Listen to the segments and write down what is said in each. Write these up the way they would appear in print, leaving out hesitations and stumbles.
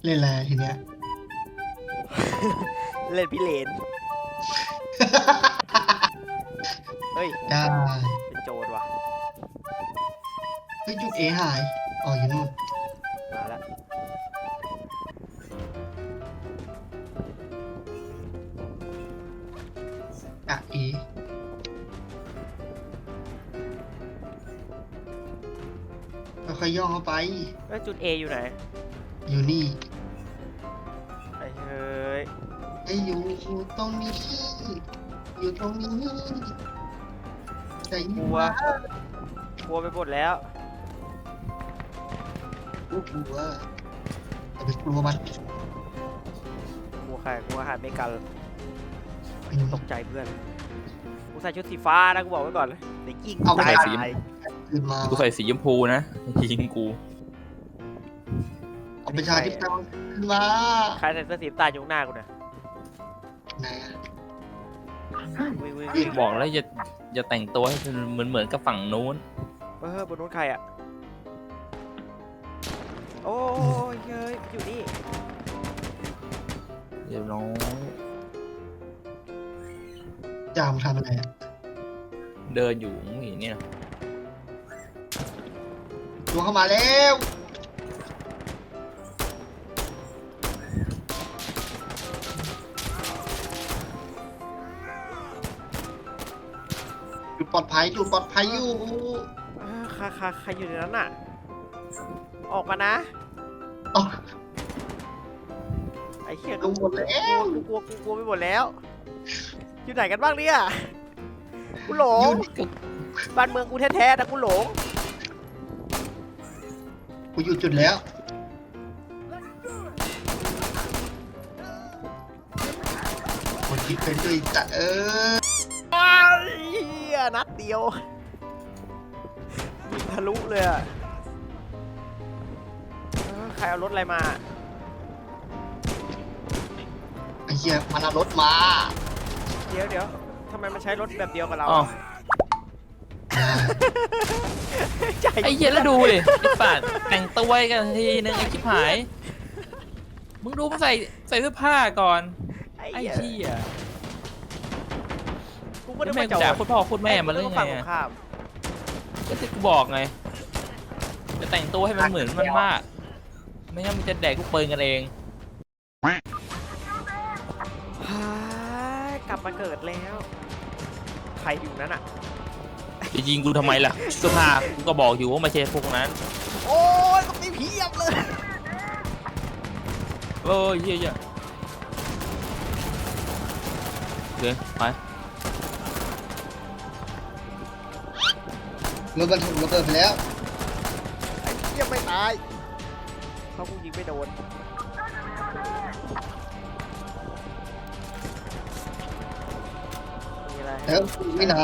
เล่นอะไรทีเนี้ยเล่นพี่เลนเฮ้ยได้เป็นโจรว่ะเฮ้ยจุดเอหายอ๋ออยู่นู่นมาแล้วอ่ะเอค่อยๆย่องเข้าไปแล้วจุด A อยู่ไหนอยู่นี่ไอ้เฮ้ยไอ้อยู่ตรงนี้ อยู่ตรงนี้ใจกลัว กลัวไปหมดแล้วกลัวแต่ไปกลัวมันกลัวใครกลัวหาไม่กันเป็นตกใจเพื่อน กูใส่ชุดสีฟ้านะกูบอกไว้ก่อนเลยเดี๋ยวยิงเอาไปตายใส่ตายคืนมากูใส่สีชมพูนะยิงกูเอาประชาธิปไตยขึ้นมาใครใส่เสื้อสีน้ำตาลอยู่ข้างหน้ากูเนี่ยไหนอะวิ่งวิ่งบวิ่งอกแล้วอย่าแต่งตัวให้เหมือนกับฝั่งนู้นบนนู้นใครอ่ะ โอ้ยเฮ้ยอยู่นี่เดี๋ยวน้องจามทำอะไรอะเดินอยู่ไม่เห็นเนี่ยตัวเข้ามาแล้วอยู่ปลอดภัยอยู่ปลอดภัยอยู่ใครอยู่ในนั้นน่ะ ออกมานะอ๋อไอ้เหี้ยลงหมดแล้วกูกลัวไปหมดแล้ว อยู่ไหนกันบ้างเนี่ยกูหลอง ยู่นี่บ้านเมืองกูแท้ๆนะกูหลงกูอยู่จุดแล้วคนที่เป็นด้วยจัดว้าวเหี้ยนัดเดียวยิงทะลุเลยอะใครเอารถอะไรมาไอ้เหี้ยมันเอารถมาเดี๋ยวทำไมมันใช้รถแบบเดียวกับเราอ๋อใจไอ้เหี้ยแล้วดูดิไอ้สัตว์แต่งตัวกันทีนึงไอ้ชิบหายมึงดูมันใส่เสื้อผ้าก่อนไอ้ไอ้เหี้ยเหี้ยกูก็แล้วได้แม่มาง จอด่าดโคตรพ่อโคตรแม่มาเลยกูไงฝั่งตรอะงข้ามก็ที่กูบอกไงจะแต่งตัวให้มันเหมือนมันมากไม่งั้นมึงจะแดกลูกปืนกันเองกลับมาเกิดแล้ว ใครอยู่นั้นอ่ะจะยิงกูทำไมล่ะเสื้อผ้ากูก็บอกอยู่ว่าไม่ใช่พวกนั้นโอ้ยตรงนี้เพียบเลยเออเหี้ยโอเคไปรถบรรทุกระเบิดไปแล้วไอ้เพียบไม่ตายเขากูยิงไม่โดนมีอะไรแล้วไม่นาน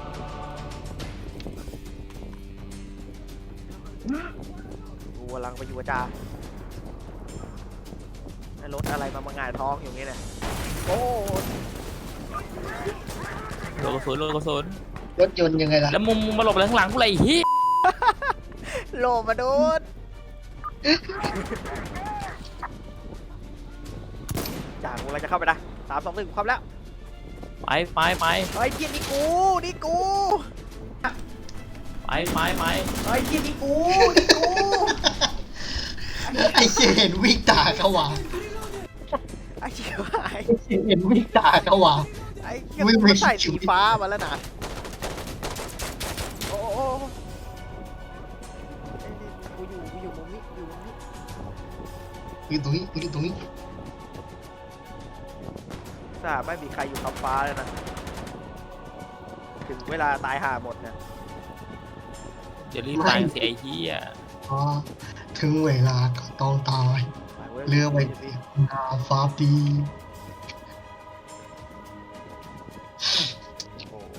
กูกำลังไปอยู่กับจ่าไอ้รถอะไรมาหงายท้องอยู่นี่เนี่ยโอ้ยโลกระสุนโลกระสุนรถยนต์ยังไงล่ะแล้วมึงมาหลบอะไรข้างหลังกูเลยไอ้เฮียโลมาโดนจ่ากูกำลังจะเข้าไปนะ3 2 1ความแล้วไปไอ้เพี้ยนี่กูไปไอ้เพี้ยนี่กูไอ้เหี้ยเห็นวิ่งตาเขาวะไอ้เชี่ยไอ้เห็นวิ่งตาเขาวะไอ้เชี่ยไม่กูไม่ใส่สีฟ้ามาแล้วนะโอ้โหไอ้นี่กูอยู่มุมนี้อยู่มุมนี้อยู่ตรงนี้อยู่ตรงนี้ทราบไม่มีใครอยู่ท็อปฟ้าเลยนะถึงเวลาตายห่าหมดเนี่ยจะรีบตายสิไอ้เฮียอ๋อถึงเวลาก็ต้องตายไปว้ยเรือไปนาฟ้าปีโอ้โห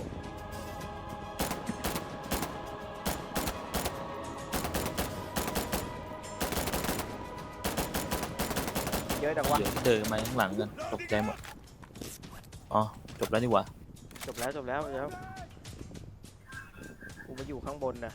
เยอะจังวะเดี๋ยวเดินมาข้างหลังกันตกใจหมดอ๋อจบแล้วนี่หว่าจบแล้วเดี๋ยวกูมาอยู่ข้างบนนะ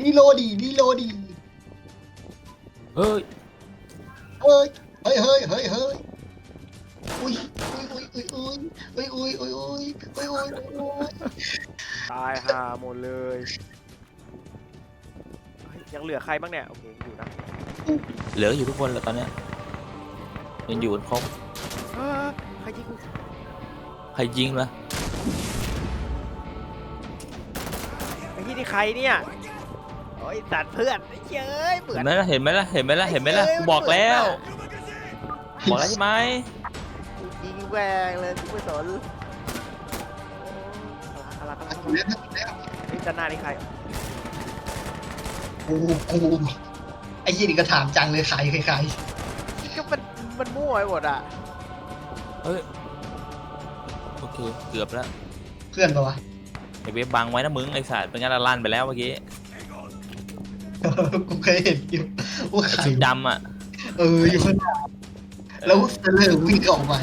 รีโหลดรีโหลดเฮ้ยเฮ้ยเฮ้ยเฮ้ยเฮ้ยเฮ้ยอุ้ยอุ้ยอุ้ยอุ้ยอุ้ยอุ้ยอุ้ยอุ้ยอุ้ยอุ้ยตายห่าหมดเลยเฮ้ยยังเหลือใครบ้างเนี่ยโอเคอยู่นะเหลืออยู่ทุกคนแล้วตอนเนี้ยยังอยู่กันครบเออใครยิงกูใครยิงล่ะไอ้ที่นี่ใครเนี่ยโอ้ยตัดเพื่อนไอ้เจ้ยเบื่เห็อนไหมล่ะเห็นไหมล่ะเห็นไหมล่ะเห็นไหมล่ะกูบอกแล้วบอกแล้วใช่ไหมยิงแหวงเลยกูไม่สนอะไรไอ้จันนานี่ใครกูไอ้ยี่นี่ก็ถามจังเลยใครก็มันมั่วไปหมดอ่ะเฮ้ยโอเคเกือบแล้วเพื่อนปะวะไอเว็บบังไว้นะมึงไอสัตว์เป็นงั้นละลั่นไปแล้วเมื่อกี้กูเคยเห็นอยู่ว่าไอใครชุดดำอ่ะอยู่ข้างหน้าแล้วเซเลอร์วิ่งออกไป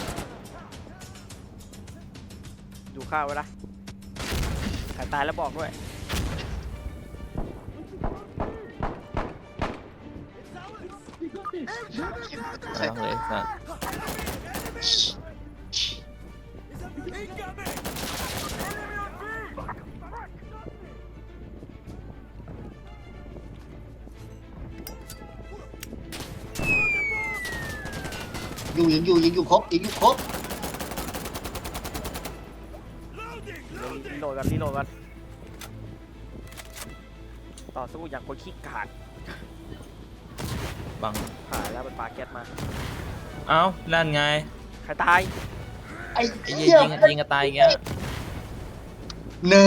อยู่ข้าวไว้ละใครตายแล้วบอกด้วยไม่ต้องเลยสัตว์ยังอยู่ครบยังอยู่ครบรีโหลดกันต่อสู้อย่างคนขี้กาดบังผ่านแล้วมันปาแก๊สมาเอ้านั่นไงใครตายไอ้ไอ้เหี้เหี้ยยยิงกันตายอย่างเงี้ย no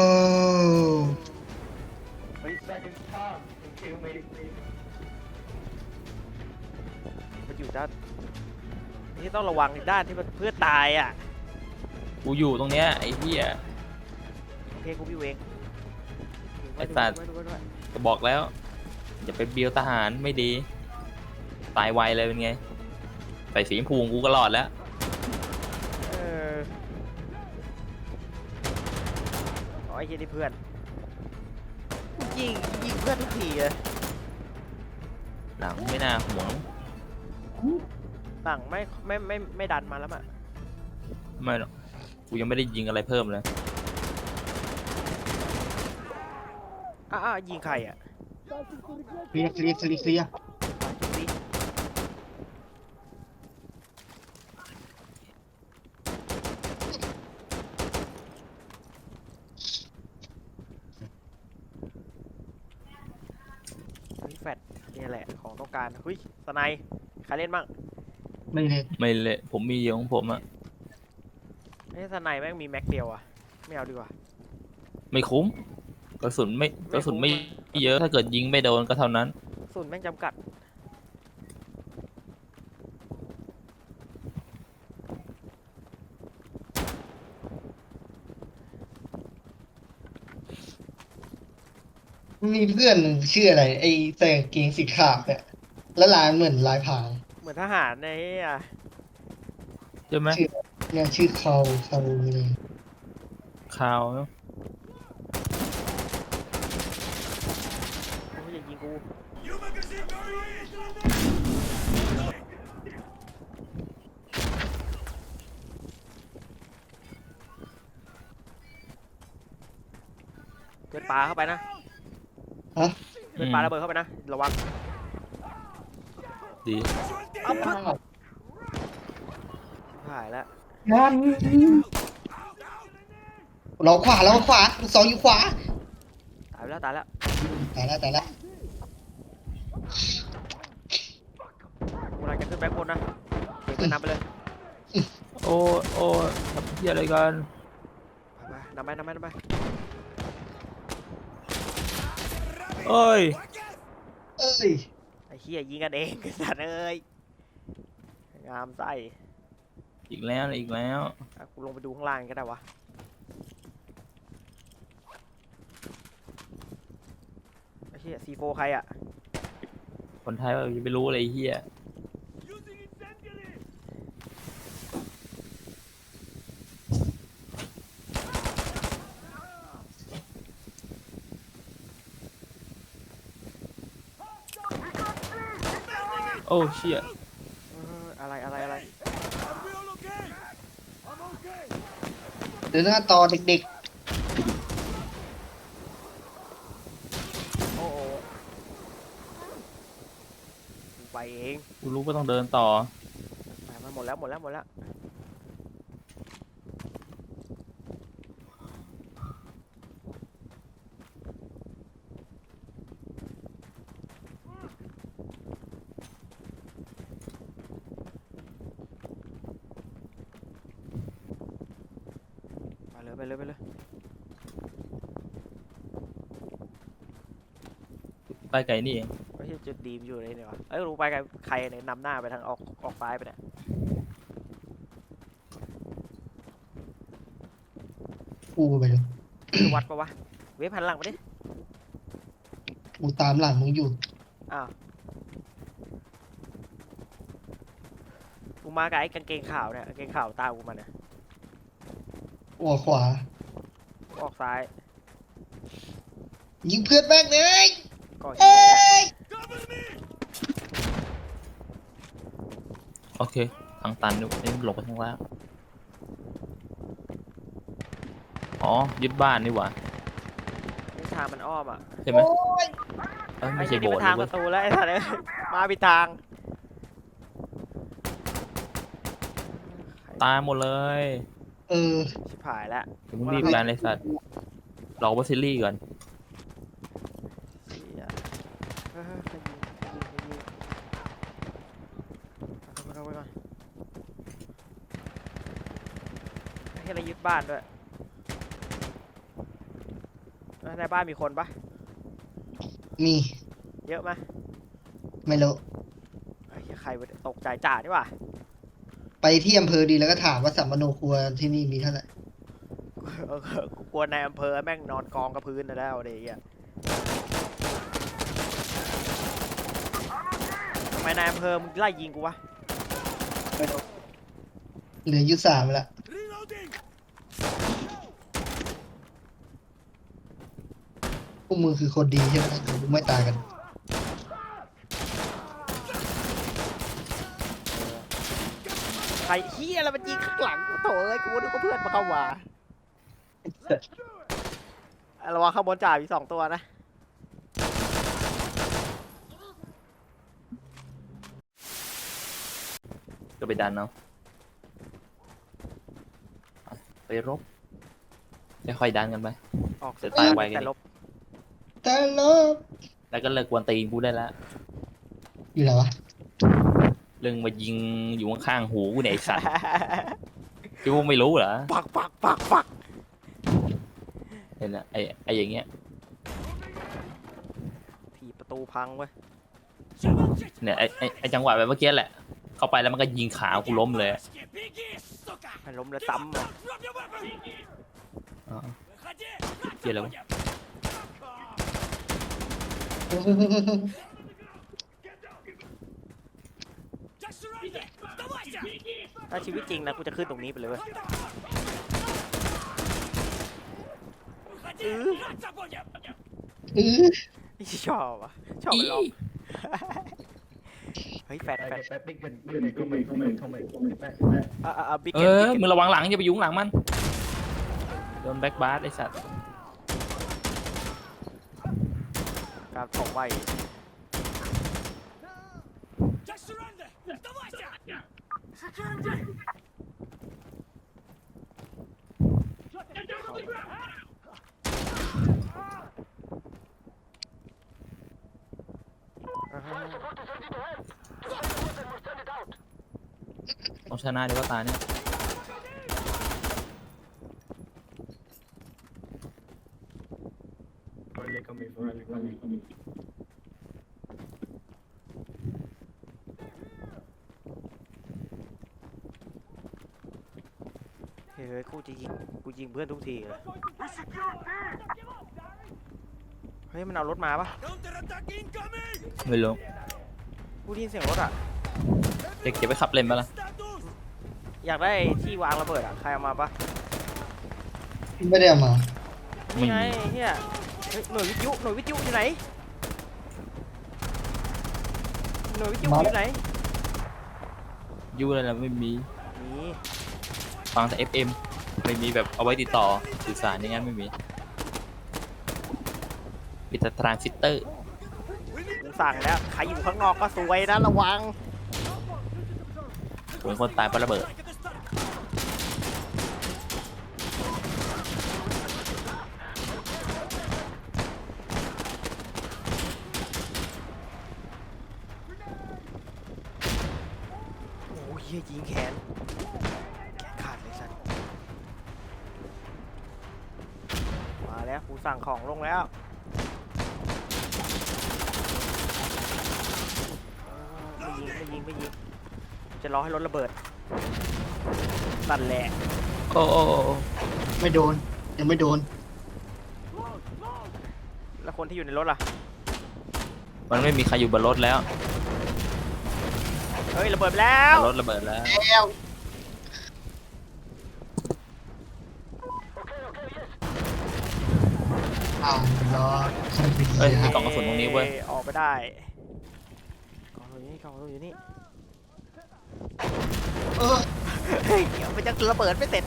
มันอยู่ด้านที่ต้องระวังด้านที่มันเพื่อนตายอ่ะกูอยู่ตรงเนี้ยไอ้เหี้ยโอเคกูพี่เวงไอ้สัตว์ ก็บอกแล้วอย่าไปเบียวทหารไม่ดี ตายไวเลยเป็นไงใส่สีชมพูของกูก็รอดแล้วเอออ๋อไอ้เหี้ยนี่เพื่อนยิงเพื่อนทุกทีเลยหลังไม่น่าห่วงสั่งไม่ดันมาแล้วอ่ะไม่หรอกกูยังไม่ได้ยิงอะไรเพิ่มเลยยิงใครอ่ะเคลียร์จุดสิ แฟดนี่แหละของต้องการเฮ้ยสไนด์ใครเล่นบ้างไม่เลยไม่เละผมมีเยอะของผมอะไอ้สไนด์แม่งมีแม็กเดียวอ่ะไม่เอาดีกว่าไม่คุ้มกระสุนไม่เยอะถ้าเกิดยิงไม่โดนก็เท่านั้นส่วนแม่งจำกัดมีเพื่อนชื่ออะไรไอ้ใส่กางเกงสีขาวเนี่ยแล้วลายเหมือนลายพรางเหมือนทหารในอ่ะใช่ไหมเนี่ยชื่อเขาเลยข่าวเนอะโอ้ยอย่ายิงกูเพื่อนปลาเข้าไปนะฮะเพื่อนปลาระเบิดเข้าไปนะระวังดีเอาหายแล้วนั่นเราขวาลูกศรอยู่ขวาตายแล้วตายแล้วตายแล้วกูกำลังจะขึ้นแบ็คบนนะเก็บเพื่อนนำไปเลยโอ้ทำเหี้ยอะไรกันไปนำไปเอ้ยเอ้ยไอ้เหี้ยยิงกันเองไอ้สัตว์เอ้ยงามไส้อีกแล้วอีกแล้วอ่ะกูลงไปดูข้างล่างก็ได้วะไอ้เหี้ยซีโฟใครอ่ะคนไทยว่าจะไปรู้อะไรไอ้เหี้ยโอ้เชี่ยอะไรเดินหน้าต่อเด็กโอ้กูไปเองกูรู้ว่าต้องเดินต่อไปมันหมดแล้วไปเลยไปไกลนี่เองไม่ใช่จุดดีมอยู่เลยเนี่ยวะรู้ไปกับใครเนี่ยนำหน้าไปทางออกซ้ายไปเนี่ยๆกูไปเลยคือวัดปะวะเวฟหันหลังมาดิกูตามหลังมึงอยู่อ้าวกูมากับไอ้กางเกงขาวเนี่ยกางเกงขาวตามกูมาเนี่ยออกขวากูออกซ้ายยิงเพื่อนแม่งเลยก็เอ้ยโอเคทางตันนี่หลบไปทางล่างอ๋อยึดบ้านนี่หว่านี่ทางมันอ้อมอ่ะใช่ไหมโอ้ยเอ้ยไอ้ไม่ใช่ที่โบนี่สมัถ์นเลทางยปเว้ยระตูแล้วไอ้สัตว์เอ้ยมาผิดทางตายหมดเลยเออชิบหายแล้วเดี๋ยวมึงรีบการเลยสัตว์รอบาซิลลี่ก่อนเหี้ยใครยิงเอาไปก่อนให้เรายึดบ้านด้วยในบ้านมีคนปะมีเยอะไหมไม่รู้ไอ้เหี้ยใครวะตกใจจ่านี่หว่าไปที่อำเภอดีแล้วก็ถามว่าสัมมโนครัวที่นี่มีเท่าไหร่กูกลัวในอำเภอแม่งนอนกองกับพื้นนะแล้วเดี๋ยวไอ้เหี้ยทำไมนายอำเภอมึงไล่ยิงกูวะเหลืออยู่3แล้วพวกมึงคือคนดีใช่ไหมถึงมึงไม่ตายกันใครเฮียอะไรมันยิงข้างหลังกูโถ่เอ้ยกูนึกว่าเพื่อนมาเข้ามาระวังข้างบนจ่ามี2 ตัวนะก็ไปดันเอาไปรบค่อยๆดันกันไปออกจะตายไวกันแต่ลบแต่ลบแล้วก็เลิกกวนตีนกูได้แล้วอยู่ไหนวะเรื่องมายิงอยู่ข้างๆหูกูเนี่ยไอ้สัตว์คิดว่าไม่รู้เหรอปักเห็นนะไอ้อย่างเงี้ยถีบประตูพังเว้ยเนี่ยไอ้จังหวะแบบเมื่อกี้แหละ เข้าไปแล้วมันก็ยิงขากูล้มเลยมันล้มแล้วซ้ำเลยอ๋อเกี่ยวอะไรวะถ้าชีวิตจริงนะกูจะขึ้นตรงนี้ไปเลยเว้ยชอบอ่ะชอบมันล้อมเฮ้ยแฟดบิ๊กเออมึงระวังหลังอย่าไปยุ่งหลังมันโดนแบ็คบาร์ไอ้สัตว์การถกไว้ต้องชนะดีกว่าตาเนี่ยเฮ้ยกูยิงเพื่อนทุกทีเลยเฮ้ยมันเอารถมาปะไม่รู้กูได้ยินเสียงรถอ่ะเด็กเก็บไปขับเล่นมาละอยากได้ที่วางระเบิดอ่ะใครเอามาปะไม่ได้เอามานี่ไงเฮียเฮ้ยหน่วยวิทยุอยู่ไหนน่วยวิทยุอยู่ไหนยูอะไรนะไม่มีนี่ฟังแต่ FM ไม่มีแบบเอาไว้ติดต่อสื่อสารอย่างนั้นไม่มีมีแต่ทรานซิสเตอร์กูสั่งแล้วใครอยู่ข้างนอกก็สวยนะระวังเหมือนคนตายเพราะระเบิดโอ้ยยิงแขนขาดเลยสัตว์มาแล้วกูสั่งของลงแล้วไม่ยิงจะรอให้รถระเบิดสั่นแหละโอ้โอ้ไม่โดนยังไม่โดนแล้วคนที่อยู่ในรถล่ะมันไม่มีใครอยู่บนรถแล้วเฮ้ยระเบิดไปแล้วรถระเบิดแล้วแล้วอ้าวรอใช่เป็นเอ้ยเสีมียกล่องกระสุนตรงนี้เว้ยออกไปได้กล่องอยู่นี่เออเฮ้ยเดี๋ยวมันจะระเบิดไม่เสร็จ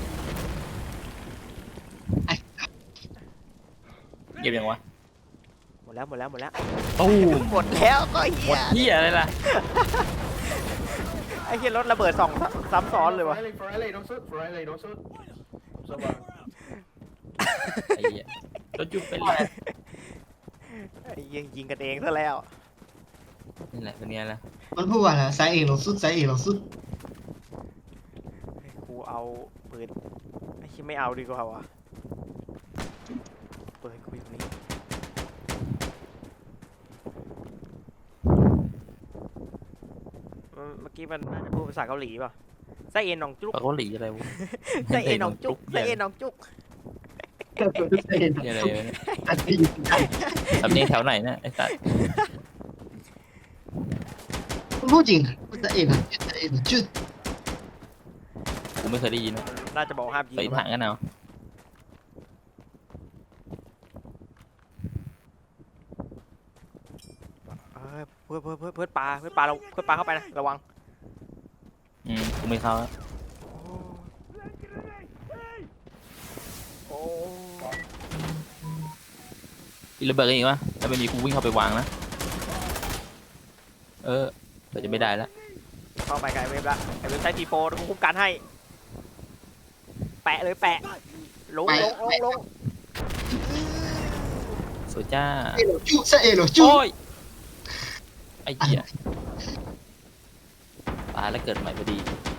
เก็บยังวะหมดแล้วตู้มหมดแล้วก็เฮีหมยดเหี้ยอะไรล่ะไอ้เฮียรถระเบิดซ้ำซ้อนเลยวะ Riley, don't shoot. For Riley, don't shoot. So bad. ไอ้เหี้ยรถจุ๊บเป็นไรไอ้เหี้ยยิงกันเองซะแล้วนี่แหละเป็นไงล่ะมันพูดว่าอะไรสายเอกเราสุดสายเอกเราสุดกูเอาปืนไอ้เฮียไม่เอาดีกว่าวะปืนกูอยู่นี่เมื่อกี้มันน่าจะพูดภาษาเกาหลีป่ะไส้เอ็นหนองจุกปากเกาหลีอะไรวะไส้เอ็นหนองจุกไส้เอ็นหนองจุกสายเอกเหี้ยอะไรวะเนี่ยสายเอกได้สำเนียงแถวไหนเนี่ยไอ้สัสมันพูดจริงสายเอกอะสายเอกจุดกูไม่เคยได้ยินนะน่าจะบอกห้ามยิงไปถังกันเอาเพื่อนปลาเข้าไปนะระวังกูไม่เข้าแล้วโอ้มีระเบิดกันอีกวะถ้าไม่มีกูวิ่งเข้าไปวางนะเดี๋ยวจะไม่ได้แล้วเข้าไปไกลเว็บละไอเว็บใช้ทีโฟกูคุ้มกันให้แปะเลยแปะลงสวยจ้าสายเอกเราจุดสายเอกเราจุดโอ้ยไอ้เหี้ยตายแล้วเกิดใหม่พอดี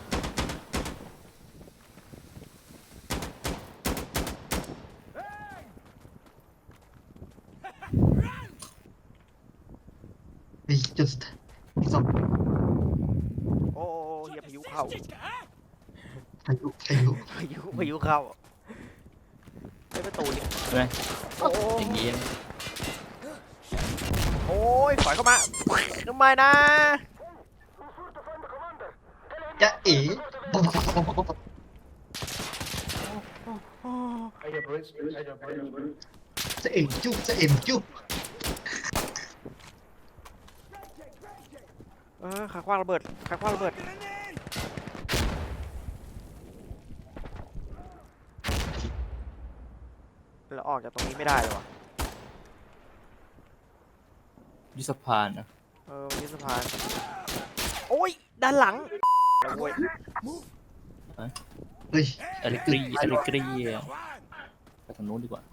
ไอ้จุดสองโอ้เฮียพายุเข้าพายุพายุเข้าไอ้ประตูนี่ใช่ไหมโอ้อย่างงี้โอ้ยถอยเข้ามาทำไมนะจะเอ๋ I have bridge. I have bridge. สายเอกจุดสายเอกจุดขาคว้างระเบิดแล้วออกจากตรงนี้ไม่ได้เลยวะยุสพานนะมันยึดสะพานโอ้ยด้านหลังโอ้ยเฮ้ยอลิกรีไปทางนู้นดีกว่า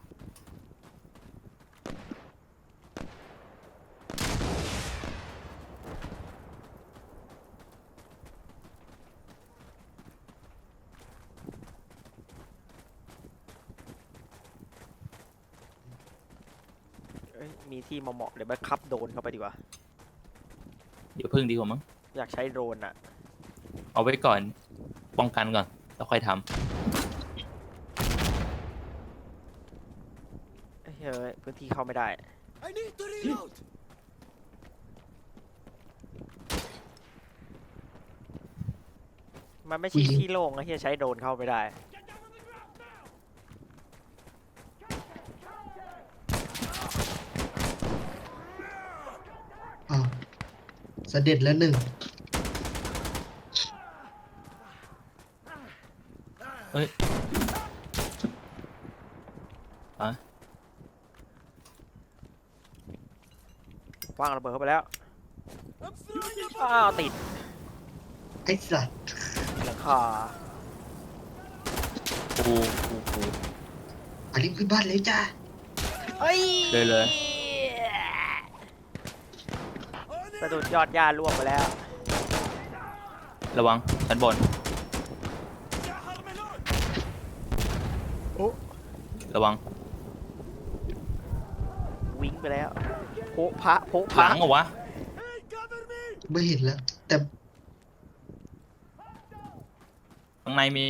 มีที่เหมาะๆเดี๋ยวไปคับโดรนเข้าไปดีกว่าเดี๋ยวพึ่งดีกว่ามั้งอยากใช้โดรนอะเอาไว้ก่อนป้องกันก่อนแล้วค่อยทเฮ้ยพื้นที่เข้าไม่ได้ มันไม่ใช่ที่โล่งนะที่จะใช้โดรนเข้าไม่ได้อ้าวเสด็จแล้วหนึ่งเฮ้ยอ่ะวางระเบิดเข้าไปแล้วอ้าวติดไอ้สัตว์หลังคากูอาริมขึ้นบ้านเลยจ้าเฮ้ยเลยสะดุดยอดหญ้าล่วงไปแล้วระวังชั้นบนโอ้ระวังวิ่งไปแล้วโผพระโผหพระลังเหรอวะไม่เห็นแล้ว แต่ข้างในมี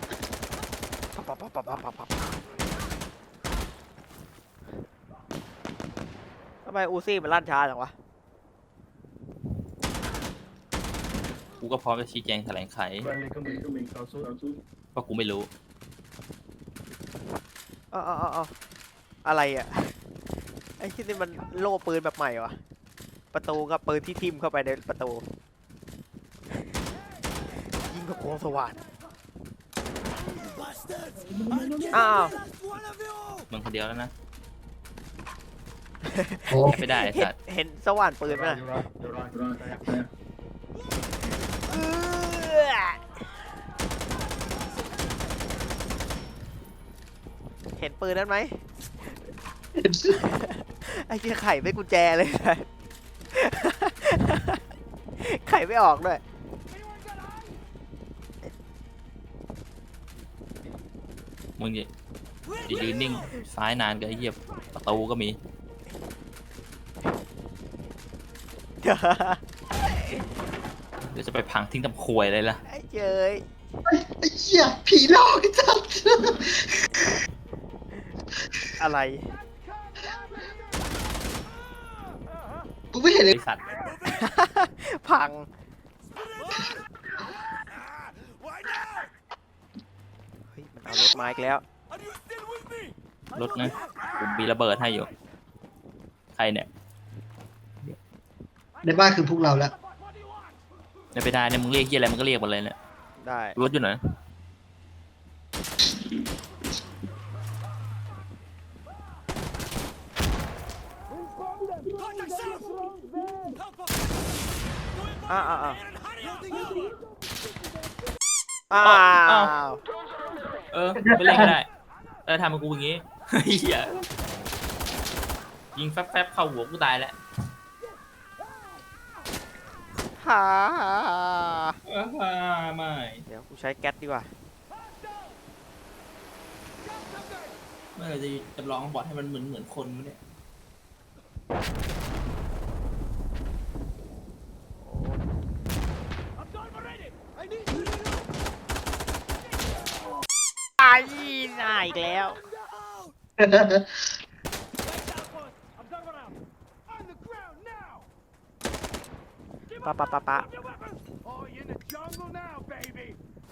ทำไมอูซี่มันลั่นช้าจังวะกูก็พร้อมจะชี้แจงแถลงไข Friendly coming. Don't shoot. เพราะกูไม่รู้เอาอะไรอ่ะ ไอ้ที่นี่มันโล่ปืนแบบใหม่วะประตูกับปืนที่ทิ่มเข้าไปในประตู ยิงกับโคงสว่านอ้าวมึงคนเดียวแล้วนะโอ้ไม่ได้ไอ้สัตว์เห็นสว่านปืน You're ไหม right. You're right. You're right. There. เห็นปืนนั้นไหม ไอ้เหี้ยไข่ไม่กุญแจเลย ไข่ไม่ออกด้วยมึงจะยืนนิ่งซ้ายนานก็ไอ้เหี้ยประตูก็มี เดี๋ยวจะไปพังทิ้งทำควยเลยล่ะไอ้เจยไอ้เหี้ยผีหลอกไอ้สัตว์อะไรกูไม่เห็นเลยไอสัตว์พัง เฮ้ย มันเอารถมาอีกแล้วรถนะกูมีระเบิดให้อยู่ ใครเนี่ยในบ้านคือพวกเราแล้วไม่ได้เนี่ยมึงเรียกเหี้ยอะไรมึงก็เรียกหมดเลยเนี่ยได้รถอยู่ไหนอ้าวอ้าวเออไม่เล่นก็ได้ทำกับกูอย่างงี้ เหี้ยยิงแฟบๆเข้าหัวกูตายแล้วฮ่าไม่เดี๋ยวกูใช้แก๊สดีกว่าเมื่อไหร่จะจำลองบอทให้มันเหมือนคนวะเนี่ยไอ้น่าอีกแล้ว ปะ Oh, you're in the jungle now, baby.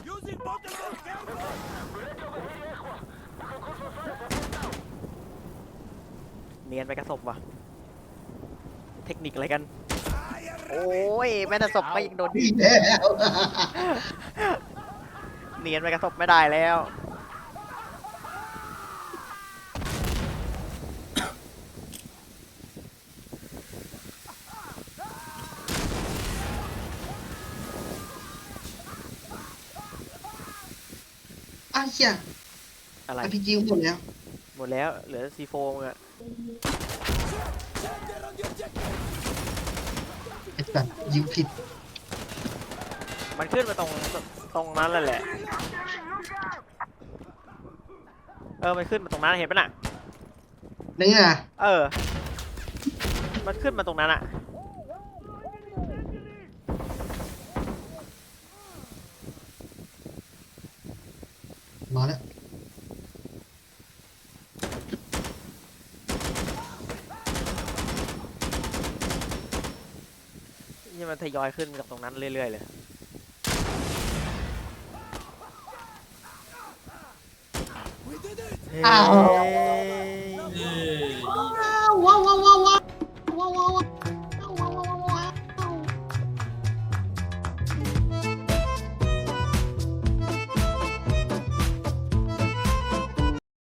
เนียนไปกระสบว่ะ เทคนิคอะไรกัน โอ้ย แม่แต่ศพก็ยังโดนผีแล้วเนียนไปกระสบไม่ได้แล้วอ้าวเหี้ยอะไรอาพีจีหมดแล้วหมดแล้ว เหลือซีโฟมอะไอ้สัตว์ยิงผิดมันขึ้นมาตรงนั้นแล้วแหละ มันขึ้นมาตรงนั้นเห็นปะน่ะนี่ไงมันขึ้นมาตรงนั้นอะมาแล้วนี่มันทยอยขึ้นกับตรงนั้นเรื่อยๆเลยอ้าวเฮ้